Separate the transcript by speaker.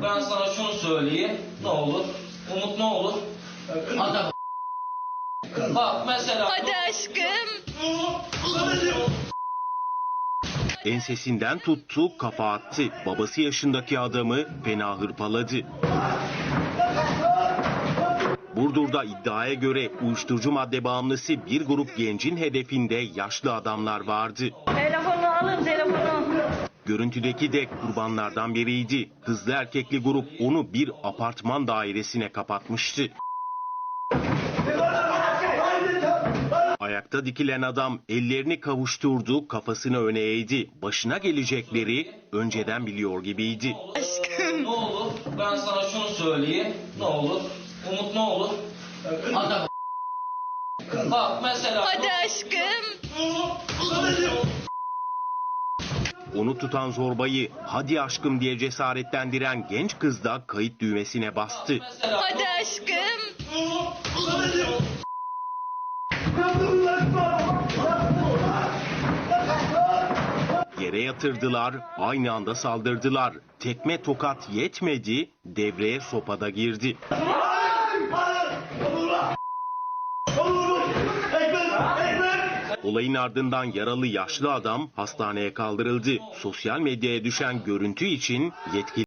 Speaker 1: Ben sana şunu söyleyeyim. Ne olur? Umut ne olur? Adam. Bak mesela.
Speaker 2: Hadi aşkım.
Speaker 3: Ensesinden tuttu, kafa attı. Babası yaşındaki adamı fena hırpaladı. Burdur'da iddiaya göre uyuşturucu madde bağımlısı bir grup gencin hedefinde yaşlı adamlar vardı.
Speaker 2: Telefonu alın, telefonu.
Speaker 3: Görüntüdeki de kurbanlardan biriydi. Hızlı erkekli grup onu bir apartman dairesine kapatmıştı. Ayakta dikilen adam ellerini kavuşturdu, kafasını öne eğdi. Başına gelecekleri önceden biliyor gibiydi.
Speaker 2: Aşkım.
Speaker 1: Ne olur? Ben sana şunu söyleyeyim. Ne olur? Umut ne olur? Adam. Bak mesela.
Speaker 2: Hadi aşkım.
Speaker 3: Onu tutan zorbayı hadi aşkım diye cesaretlendiren genç kız da kayıt düğmesine bastı.
Speaker 1: Mesela.
Speaker 2: Hadi aşkım.
Speaker 3: Yere yatırdılar, aynı anda saldırdılar. Tekme tokat yetmedi, devreye sopada girdi. Olayın ardından yaralı yaşlı adam hastaneye kaldırıldı. Sosyal medyaya düşen görüntü için yetkili